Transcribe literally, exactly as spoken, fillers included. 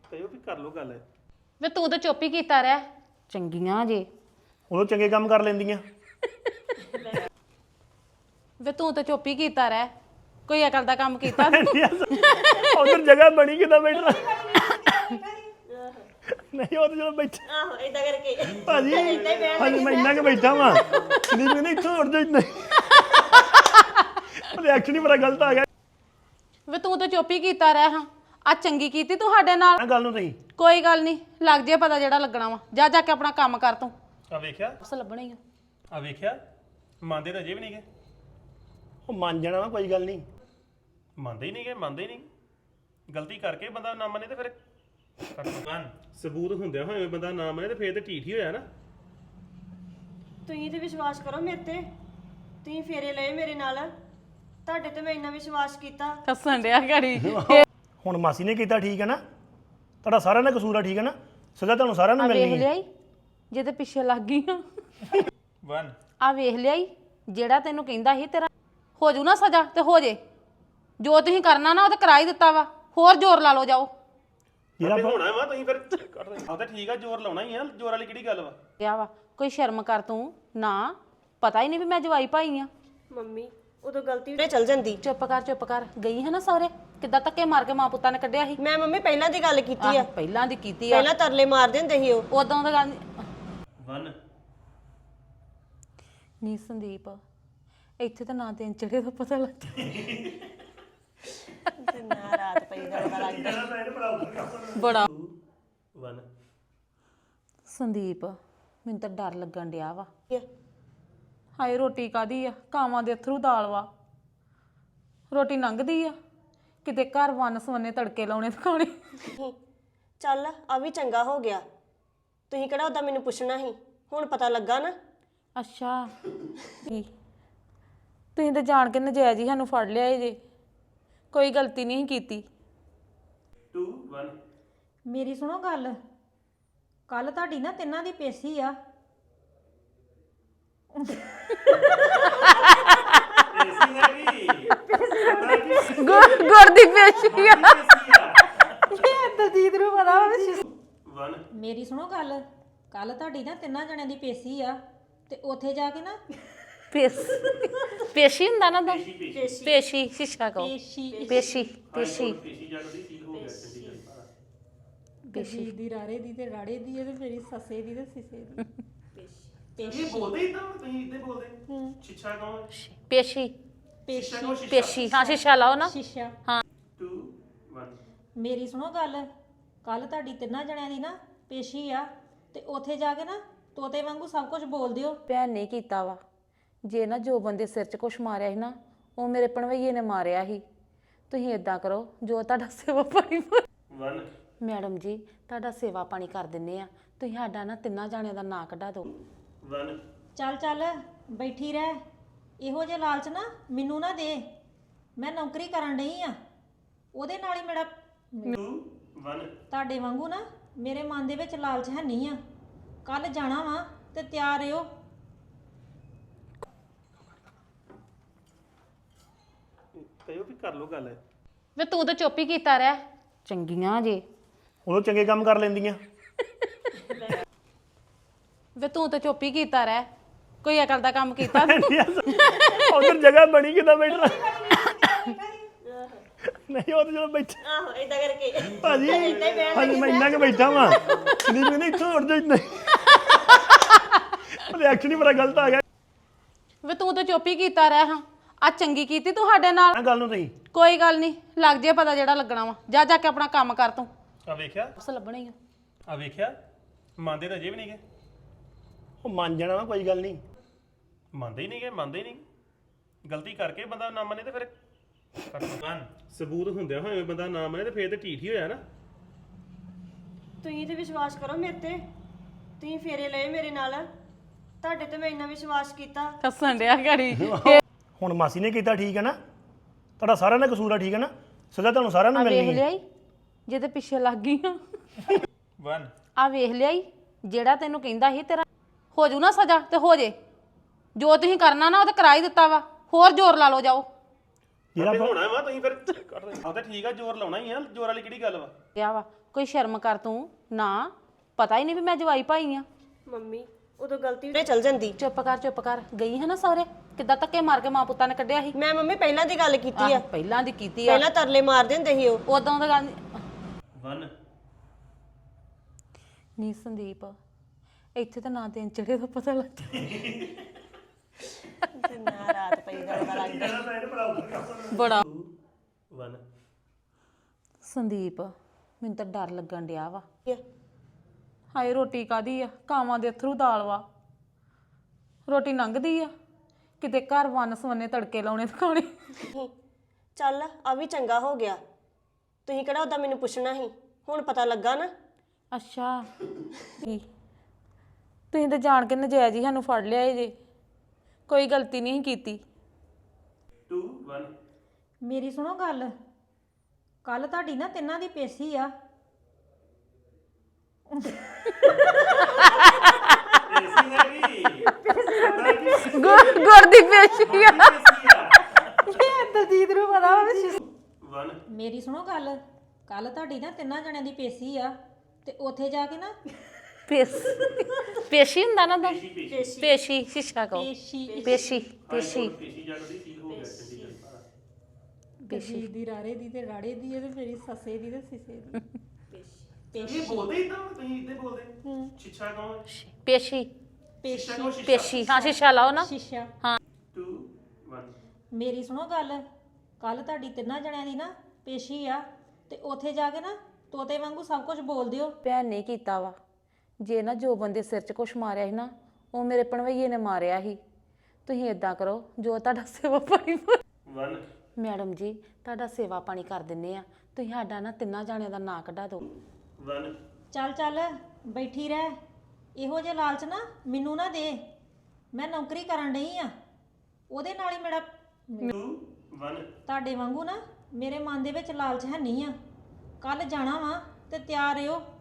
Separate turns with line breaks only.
ਕਹਿਓ ਵੀ ਕਰ ਲੋ ਗੱਲ
ਵੇ ਤੂੰ ਤਾਂ ਚੁੱਪ ਹੀ ਕੀਤਾ ਰਹਿ ਚੰਗੀਆਂ ਜੇ
ਉਦੋਂ ਚੰਗੇ ਕੰਮ ਕਰ ਲੈਂਦੀਆਂ
ਵੇ ਤੂੰ ਤਾਂ ਚੁੱਪ ਹੀ ਕੀਤਾ ਰਹਿ ਕੋਈ ਅਕਲ ਦਾ ਕੰਮ ਕੀਤਾ
ਉਧਰ ਜਗ੍ਹਾ ਬਣੀ ਕਿਦਾਂ ਬੈਠਣਾ ਨਹੀਂ ਉਹ ਜਦੋਂ ਬੈਠਾ
ਆਹੋ ਇਦਾਂ ਕਰਕੇ
ਭਾਜੀ ਹਾਂਜੀ ਮੈਂ ਇੰਨਾ ਕਿ ਬੈਠਾ ਵਾਂ ਨਹੀਂ ਮੈਨੂੰ ਇੱਥੋਂ ਉੱਡ ਜਾ ਇੰਨਾ ਰਿਐਕਸ਼ਨ ਹੀ ਬੜਾ ਗਲਤ ਆ ਗਿਆ
ਵੇ ਤੂੰ ਤਾਂ ਚੁੱਪ ਹੀ ਕੀਤਾ ਰਹਿ ਹਾਂ ਆ ਚੰਗੀ ਕੀਤੀ ਤੂੰ ਸਾਡੇ ਨਾਲ
ਆ ਗੱਲ ਨੂੰ ਤੁਸੀਂ
ਕੋਈ ਗੱਲ ਨਹੀਂ ਲੱਗ ਜੇ ਪਤਾ ਜਿਹੜਾ ਲੱਗਣਾ ਵਾ ਜਾ ਜਾ ਕੇ ਆਪਣਾ ਕੰਮ ਕਰ ਤੂੰ
ਆ ਵੇਖਿਆ
ਬਸ ਲੱਭਣਾ ਹੀ ਆ
ਆ ਵੇਖਿਆ ਮੰਨਦੇ ਤਾਂ ਅਜੇ ਵੀ ਨਹੀਂ ਗਏ ਉਹ ਮੰਨ ਜਾਣਾ ਵਾ ਕੋਈ ਗੱਲ ਨਹੀਂ ਮੰਨਦੇ ਹੀ ਨਹੀਂ ਗਏ ਮੰਨਦੇ ਹੀ ਨਹੀਂ ਗਲਤੀ ਕਰਕੇ ਬੰਦਾ ਨਾ ਮੰਨੇ ਤੇ ਫਿਰ ਸਬੂਤ ਹੁੰਦਿਆ ਹੋਏ ਬੰਦਾ ਨਾ ਮੰਨੇ ਤੇ ਫੇਰ ਤੇ ਢੀਠ ਹੀ ਹੋਇਆ ਨਾ
ਤੁਸੀਂ ਤੇ ਵਿਸ਼ਵਾਸ ਕਰੋ ਮੇਰੇ ਤੇ ਤੁਸੀਂ ਫੇਰੇ ਲਏ ਮੇਰੇ ਨਾਲ ਤੁਹਾਡੇ ਤੇ ਮੈਂ ਇੰਨਾ ਵਿਸ਼ਵਾਸ ਕੀਤਾ
ਹੱਸਣ ਡਿਆ ਘੜੀ
ਹੁਣ ਮਾਸੀ ਨੇ ਕੀਤਾ ਠੀਕ ਹੈ ਨਾ ਤੁਹਾਡਾ ਸਾਰਿਆਂ ਦਾ ਕਸੂਰ ਆ ਠੀਕ ਹੈ ਨਾ ਸਜ਼ਾ ਤੁਹਾਨੂੰ ਸਾਰਿਆਂ ਨੂੰ
ਆ ਵੇਖ
ਮਿਲਣੀ ਹੈ
ਲਿਆਈ ਜੇ ਤੇ ਪਿੱਛੇ ਲੱਗ ਗਈ ਆ
ਵਨ
ਆ ਵੇਖ ਲਿਆਈ ਜਿਹੜਾ ਤੈਨੂੰ ਕਹਿੰਦਾ ਸੀ ਤੇਰਾ ਹੋ ਜੂ ਨਾ ਸਜ਼ਾ ਤੇ ਹੋ ਜੇ ਜੋ ਤੁਸੀਂ ਕਰਨਾ ਨਾ ਉਹ ਤੇ ਕਰਾ ਹੀ ਦਿੱਤਾ ਵਾ ਹੋਰ ਜ਼ੋਰ ਲਾ ਲਓ ਜਾਓ
ਜਿਹੜਾ ਹੋਣਾ ਵਾ ਤੁਸੀਂ ਫਿਰ ਆ ਤਾਂ ਠੀਕ ਆ ਜ਼ੋਰ ਲਾਉਣਾ ਹੀ ਆ ਜ਼ੋਰ ਵਾਲੀ ਕਿਹੜੀ ਗੱਲ ਵਾ
ਕਿਹਾ ਵਾ ਕੋਈ ਸ਼ਰਮ ਕਰ ਤੂੰ ਨਾ ਪਤਾ ਹੀ ਨਹੀਂ ਵੀ ਮੈਂ ਜਵਾਈ ਭਾਈ ਆ
ਮੰਮੀ ਉਦੋਂ ਗਲਤੀ ਤੇ ਚਲ ਜਾਂਦੀ
ਚੁੱਪ ਕਰ ਚੁੱਪ ਕਰ ਗਈ ਹੈ ਨਾ ਸਹੁਰੇ ਕਿੱਦਾਂ ਧੱਕੇ ਮਾਰ ਕੇ ਮਾਂ ਪੁੱਤਾਂ ਨੇ ਕੱਢਿਆ ਸੀ
ਮੈਂ ਮੰਮੀ ਪਹਿਲਾਂ ਦੀ ਗੱਲ ਕੀਤੀ ਆ
ਆਹ, ਪਹਿਲਾਂ ਦੀ ਕੀਤੀ ਆ
ਪਹਿਲਾਂ ਤਰਲੇ ਮਾਰਦੇ ਹੁੰਦੇ ਸੀ ਉਹ
ਉਦੋਂ ਦਾ ਗੱਲ
ਵਨ
ਨਹੀਂ ਸੰਦੀਪ ਇੱਥੇ ਤਾਂ ਨਾ ਦਿਨ ਚੜੇ ਦਾ ਪਤਾ ਲੱਗ
ਨਾ ਰਾਤ ਪਈ ਦਾ ਪਤਾ ਲੱਗਦਾ
ਬੜਾ
ਵਨ
ਸੰਦੀਪ ਮੈਨੂੰ ਤਾਂ ਡਰ ਲੱਗਣ ਡਿਆ ਵਾ ਹਾਏ ਰੋਟੀ ਕਾਦੀ ਆ ਕਾਵਾਂ ਦੇ ਅਥਰੂ ਦਾਲ ਵਾ ਰੋਟੀ ਲੰਘਦੀ ਆ ਕਿਤੇ ਘਰ ਵੰਨ ਸਵੰਨੇ ਤੜਕੇ ਲਾਉਣੇ ਤੇ ਖਾਣੇ
ਚੱਲ ਆ ਵੀ ਚੰਗਾ ਹੋ ਗਿਆ ਤੁਸੀਂ ਕਿਹੜਾ ਉਦਾਂ ਮੈਨੂੰ ਪੁੱਛਣਾ ਸੀ ਹੁਣ ਪਤਾ ਲੱਗਾ ਨਾ
ਅੱਛਾ ਕੀ ਤੁਸੀਂ ਤਾਂ ਜਾਣ ਕੇ ਨਜਾਇਜ਼ ਹੀ ਸਾਨੂੰ ਫੜ ਲਿਆ ਏ ਜੇ ਕੋਈ ਗਲਤੀ ਨਹੀਂ ਕੀਤੀ
ਟੂ ਵਨ
ਮੇਰੀ ਸੁਣੋ ਗੱਲ ਕੱਲ ਤੁਹਾਡੀ ਨਾ ਤਿੰਨਾਂ ਦੀ ਪੇਸ਼ੀ ਆ
ਗੁੜ ਦੀ ਪੇਸ਼ੀ ਆ
ਦਲਜੀਤ ਨੂੰ ਪਤਾ
ਵਨ
ਮੇਰੀ ਸੁਣੋ ਗੱਲ ਕੱਲ ਤੁਹਾਡੀ ਨਾ ਤਿੰਨਾਂ ਜਣਿਆਂ ਦੀ ਪੇਸ਼ੀ ਆ ਤੇ ਉੱਥੇ ਜਾ ਕੇ ਨਾ
ਪੇਸ਼ ਪੇਸ਼ੀ ਹੁੰਦਾ ਨਾ ਦਾ ਪੇਸ਼ੀ ਸ਼ੀਸ਼ਾ ਕਹੋ
ਪੇਸ਼ੀ
ਪੇਸ਼ੀ ਪੇਸ਼ੀ
ਦਲਜੀਤ ਦੀ ਰਾੜੇ ਦੀ ਤੇ ਰਾੜੇ ਦੀ ਤੇ ਮੇਰੀ ਸੱਸੇ ਦੀ ਤੇ ਸਿਸੇ ਦੀ
ਇਹ ਬੋਲਦੇ ਇਦਾਂ ਤੁਸੀਂ ਇਦਾਂ ਬੋਲਦੇ ਛਿੱਛਾ ਕੌਣ
ਪੇਸ਼ੀ
ਪੇਸ਼ੀ
ਪੇਸ਼ੀ ਹਾਂ ਸ਼ੀਸ਼ਾ ਲਾਓ ਨਾ
ਸ਼ੀਸ਼ਾ
ਹਾਂ
ਟੂ ਵਨ
ਮੇਰੀ ਸੁਣੋ ਗੱਲ ਕੱਲ ਤੁਹਾਡੀ ਤਿੰਨਾਂ ਜਣਿਆਂ ਦੀ ਨਾ ਪੇਸ਼ੀ ਆ ਤੇ ਉੱਥੇ ਜਾ ਕੇ ਨਾ ਤੋਤੇ ਵਾਂਗੂ ਸਭ ਕੁਝ ਬੋਲ ਦਿਓ
ਭੈਣ ਨੇ ਕੀਤਾ ਵਾ ਜੇ ਨਾ ਜੋ ਬੰਦੇ ਸਿਰ 'ਚ ਕੁਛ ਮਾਰਿਆ ਸੀ ਨਾ ਉਹ ਮੇਰੇ ਭਣਵਈਏ ਨੇ ਮਾਰਿਆ ਸੀ ਤੁਸੀਂ ਇਦਾਂ ਕਰੋ ਜੋ ਤੁਹਾਡਾ ਸੇਵਾ ਪਾਣੀ
ਵਨ
ਮੈਡਮ ਜੀ ਤੁਹਾਡਾ ਸੇਵਾ ਪਾਣੀ ਕਰ ਦਿੰਨੇ ਆ ਤੁਸੀਂ ਸਾਡਾ ਨਾ ਤਿੰਨਾਂ ਜਾਣਿਆਂ ਦਾ ਨਾਂ ਕਢਾ ਦਿਓ
ਵਨ
ਚੱਲ ਚੱਲ ਬੈਠੀ ਰਹਿ ਇਹੋ ਜਿਹੇ ਲਾਲਚ ਨਾ ਮੈਨੂੰ ਨਾ ਦੇ ਮੈਂ ਨੌਕਰੀ ਕਰਨ ਡਈ ਆ ਉਹਦੇ ਨਾਲ ਹੀ ਮੇਰਾ
ਟੂ ਵਨ
ਤੁਹਾਡੇ ਵਾਂਗੂ ਨਾ ਮੇਰੇ ਮਨ ਦੇ ਵਿੱਚ ਲਾਲਚ ਹੈ ਨਹੀਂ ਆ ਕੱਲ ਜਾਣਾ ਵਾ ਤੇ ਤਿਆਰ ਰਹੋ
ਕਹਿਓ ਵੀ ਕਰ ਲੋ ਗੱਲ
ਵੇ ਤੂੰ ਤਾਂ ਚੁੱਪ ਹੀ ਕੀਤਾ ਰਹਿ ਚੰਗੀਆਂ ਜੇ
ਉਦੋਂ ਚੰਗੇ ਕੰਮ ਕਰ ਲੈਂਦੀਆਂ
ਵੇ ਤੂੰ ਤਾਂ ਚੁੱਪ ਹੀ ਕੀਤਾ ਰਹਿ ਕੋਈ ਅਕਲ ਦਾ ਕੰਮ ਕੀਤਾ
ਉਧਰ ਜਗ੍ਹਾ ਬਣੀ ਕਿਦਾਂ ਬੈਠਣਾ ਨਹੀਂ ਉਹ ਜਦੋਂ ਬੈਠਾ
ਆਹੋ ਇਦਾਂ ਕਰਕੇ
ਭਾਜੀ ਹਾਂਜੀ ਮੈਂ ਇੰਨਾ ਕਿ ਬੈਠਾ ਵਾਂ ਨਹੀਂ ਮੈਨੂੰ ਇੱਥੋਂ ਉੱਡ ਜਾ ਇੰਨਾ ਰਿਐਕਸ਼ਨ ਹੀ ਬੜਾ ਗਲਤ ਆ ਗਿਆ
ਵੇ ਤੂੰ ਤਾਂ ਚੁੱਪ ਹੀ ਕੀਤਾ ਰਹਿ ਹਾਂ ਆ ਚੰਗੀ ਕੀਤੀ ਤੂੰ ਸਾਡੇ ਨਾਲ
ਆ ਗੱਲ ਨੂੰ ਤੁਸੀਂ
ਕੋਈ ਗੱਲ ਨਹੀਂ ਲੱਗ ਜੇ ਪਤਾ ਜਿਹੜਾ ਲੱਗਣਾ ਵਾ ਜਾ ਜਾ ਕੇ ਆਪਣਾ ਕੰਮ ਕਰ ਤੂੰ
ਆ ਵੇਖਿਆ
ਬਸ ਲੱਭਣਾ ਹੀ ਆ
ਆ ਵੇਖਿਆ ਮੰਨਦੇ ਤਾਂ ਅਜੇ ਵੀ ਨਹੀਂ ਗਏ ਉਹ ਮੰਨ ਜਾਣਾ ਵਾ ਕੋਈ ਗੱਲ ਨਹੀਂ ਮੰਨਦੇ ਹੀ ਨਹੀਂ ਗਏ ਮੰਨਦੇ ਹੀ ਨਹੀਂ ਗਲਤੀ ਕਰਕੇ ਬੰਦਾ ਨਾ ਮੰਨੇ ਤੇ ਫਿਰ ਸਬੂਤ ਹੁੰਦਿਆ ਹੋਏ ਬੰਦਾ ਨਾ ਮੰਨੇ ਤੇ ਫੇਰ ਤੇ ਢੀਠ ਹੀ ਹੋਇਆ ਨਾ
ਤੁਸੀਂ ਤੇ ਵਿਸ਼ਵਾਸ ਕਰੋ ਮੇਰੇ ਤੇ ਤੁਸੀਂ ਫੇਰੇ ਲਏ ਮੇਰੇ ਨਾਲ ਤੁਹਾਡੇ ਤੇ ਮੈਂ ਇੰਨਾ ਵਿਸ਼ਵਾਸ ਕੀਤਾ
ਹੱਸਣ ਡਿਆ ਘੜੀ
ਹੁਣ ਮਾਸੀ ਨੇ ਕੀਤਾ ਠੀਕ ਹੈ ਨਾ ਤੁਹਾਡਾ ਸਾਰਿਆਂ ਦਾ ਕਸੂਰ ਆ ਠੀਕ ਹੈ ਨਾ ਸਜ਼ਾ ਤੁਹਾਨੂੰ ਸਾਰਿਆਂ ਨੂੰ
ਆ ਵੇਖ
ਮਿਲਣੀ ਹੈ
ਲਿਆਈ ਜੇ ਤੇ ਪਿੱਛੇ ਲੱਗ ਗਈ ਆ
ਵਨ
ਆ ਵੇਖ ਲਿਆਈ ਜਿਹੜਾ ਤੈਨੂੰ ਕਹਿੰਦਾ ਸੀ ਤੇਰਾ ਹੋ ਜੂ ਨਾ ਸਜ਼ਾ ਤੇ ਹੋ ਜੇ ਜੋ ਤੁਸੀਂ ਕਰਨਾ ਨਾ ਉਹ ਤੇ ਕਰਾ ਹੀ ਦਿੱਤਾ ਵਾ ਹੋਰ ਜ਼ੋਰ ਲਾ ਲਓ ਜਾਓ
ਜਿਹੜਾ ਹੋਣਾ ਵਾ ਤੁਸੀਂ ਫਿਰ ਕੱਢ ਦੇ ਆ ਤਾਂ ਠੀਕ ਆ ਜ਼ੋਰ ਲਾਉਣਾ ਹੀ ਆ ਜ਼ੋਰ ਵਾਲੀ ਕਿਹੜੀ ਗੱਲ ਵਾ
ਕਿਹਾ ਵਾ ਕੋਈ ਸ਼ਰਮ ਕਰ ਤੂੰ ਨਾ ਪਤਾ ਹੀ ਨਹੀਂ ਵੀ ਮੈਂ ਜਵਾਈ ਭਾਈ ਆ
ਮੰਮੀ ਉਦੋਂ ਗਲਤੀ ਤੇ ਚਲ ਜਾਂਦੀ
ਚੁੱਪ ਕਰ ਚੁੱਪ ਕਰ ਗਈ ਹੈ ਨਾ ਸਹੁਰੇ ਕਿੱਦਾਂ ਧੱਕੇ ਮਾਰ ਕੇ ਮਾਂ ਪੁੱਤਾਂ ਨੇ ਕੱਢਿਆ ਸੀ
ਮੈਂ ਮੰਮੀ ਪਹਿਲਾਂ ਦੀ ਗੱਲ ਕੀਤੀ ਆ
ਆਹ, ਪਹਿਲਾਂ ਦੀ ਕੀਤੀ ਆ
ਪਹਿਲਾਂ ਤਰਲੇ ਮਾਰਦੇ ਹੁੰਦੇ ਸੀ ਉਹ
ਉਦੋਂ ਦਾ ਗੱਲ
ਵਨ
ਨਹੀਂ ਸੰਦੀਪ ਇੱਥੇ ਤਾਂ ਨਾ ਦਿਨ ਚੜੇ ਦਾ ਪਤਾ ਲੱਗਦਾ
ਨਾ ਰਾਤ ਪਈ ਗੱਲ ਦਾ ਲੱਗਦਾ
ਬੜਾ
ਵਨ
ਸੰਦੀਪ ਮੈਨੂੰ ਤਾਂ ਡਰ ਲੱਗਣ ਡਿਆ ਵਾ ਹਾਏ ਰੋਟੀ ਕਾਦੀ ਆ ਕਾਵਾਂ ਦੇ ਅਥਰੂ ਦਾਲ ਵਾ ਰੋਟੀ ਲੰਘਦੀ ਆ ਕਿਤੇ ਘਰ ਵੰਨ ਸਵੰਨੇ ਤੜਕੇ ਲਾਉਣੇ ਦਿਖਾਉਣੇ
ਚੱਲ ਆ ਵੀ ਚੰਗਾ ਹੋ ਗਿਆ ਤੁਸੀਂ ਕਿਹੜਾ ਉਦਾਂ ਮੈਨੂੰ ਪੁੱਛਣਾ ਸੀ ਹੁਣ ਪਤਾ ਲੱਗਾ ਨਾ
ਅੱਛਾ ਕੀ ਤੁਸੀਂ ਤਾਂ ਜਾਣ ਕੇ ਨਜਾਇਜ਼ ਹੀ ਸਾਨੂੰ ਫੜ ਲਿਆ ਜੇ ਕੋਈ ਗਲਤੀ ਨਹੀਂ ਕੀਤੀ
ਟੂ ਵਨ
ਮੇਰੀ ਸੁਣੋ ਗੱਲ ਕੱਲ ਤੁਹਾਡੀ ਨਾ ਤਿੰਨਾਂ ਦੀ ਪੇਸ਼ੀ ਆ
ਐਸੀ ਹੈਗੀ
ਗੁਰ ਦੀ ਪੇਸ਼ੀ ਆ
ਦਲਜੀਤ ਨੂੰ ਪਤਾ
ਵਨ
ਮੇਰੀ ਸੁਣੋ ਗੱਲ ਕੱਲ ਤੁਹਾਡੀ ਨਾ ਤਿੰਨਾਂ ਜਣਿਆਂ ਦੀ ਪੇਸ਼ੀ ਆ ਤੇ ਉੱਥੇ ਜਾ ਕੇ ਨਾ
ਪੇਸ਼ ਪੇਸ਼ੀ ਹੁੰਦਾ ਨਾ ਦਾ ਪੇਸ਼ੀ ਸ਼ੀਸ਼ਾ ਕੋ
ਪੇਸ਼ੀ
ਪੇਸ਼ੀ ਪੇਸ਼ੀ
ਪੇਸ਼ੀ ਜਗਦੀ ਸੀਲ ਹੋ ਗਿਆ ਚੰਡੀਗੜ੍ਹ
ਪੇਸ਼ੀ ਦੀ ਰਾੜੇ ਦੀ ਤੇ ਰਾੜੇ ਦੀ ਤੇ ਮੇਰੀ ਸੱਸੇ ਦੀ ਤੇ ਸਿਸੇ ਦੀ
ਇਹ ਬੋਲਦੇ ਇਦਾਂ ਤੁਸੀਂ ਇਦਾਂ ਬੋਲਦੇ ਛਿੱਛਾ ਕੌਣ
ਪੇਸ਼ੀ
ਪੇਸ਼ੀ
ਪੇਸ਼ੀ ਹਾਂ ਸ਼ੀਸ਼ਾ ਲਾਓ ਨਾ
ਸ਼ੀਸ਼ਾ
ਟੂ ਵਨ
ਮੇਰੀ ਸੁਣੋ ਗੱਲ ਕੱਲ ਤੁਹਾਡੀ ਤਿੰਨਾਂ ਜਣਿਆਂ ਦੀ ਨਾ ਪੇਸ਼ੀ ਆ ਤੇ ਉੱਥੇ ਜਾ ਕੇ ਨਾ ਤੋਤੇ ਵਾਂਗੂ ਸਭ ਕੁਝ ਬੋਲ ਦਿਓ
ਭੈਣ ਨੇ ਕੀਤਾ ਵਾ ਜੇ ਨਾ ਜੋ ਬੰਦੇ ਸਿਰ 'ਚ ਕੁਛ ਮਾਰਿਆ ਸੀ ਨਾ ਉਹ ਮੇਰੇ ਭਣਵਈਏ ਨੇ ਮਾਰਿਆ ਸੀ ਤੁਸੀਂ ਇਦਾਂ ਕਰੋ ਜੋ ਤੁਹਾਡਾ ਸੇਵਾ ਪਾਣੀ
ਵਨ
ਮੈਡਮ ਜੀ ਤੁਹਾਡਾ ਸੇਵਾ ਪਾਣੀ ਕਰ ਦਿੰਨੇ ਆ ਤੁਸੀਂ ਸਾਡਾ ਨਾ ਤਿੰਨਾਂ ਜਾਣਿਆਂ ਦਾ ਨਾਂ ਕਢਾ ਦਿਓ
ਵਨ
ਚੱਲ ਚੱਲ ਬੈਠੀ ਰਹਿ ਇਹੋ ਜਿਹੇ ਲਾਲਚ ਨਾ ਮੈਨੂੰ ਨਾ ਦੇ ਮੈਂ ਨੌਕਰੀ ਕਰਨ ਡਈ ਆ ਉਹਦੇ ਨਾਲ ਹੀ ਮੇਰਾ
ਟੂ ਵਨ
ਤੁਹਾਡੇ ਵਾਂਗੂ ਨਾ ਮੇਰੇ ਮਨ ਦੇ ਵਿੱਚ ਲਾਲਚ ਹੈ ਨਹੀਂ ਆ ਕੱਲ ਜਾਣਾ ਵਾ ਤੇ ਤਿਆਰ ਰਹੋ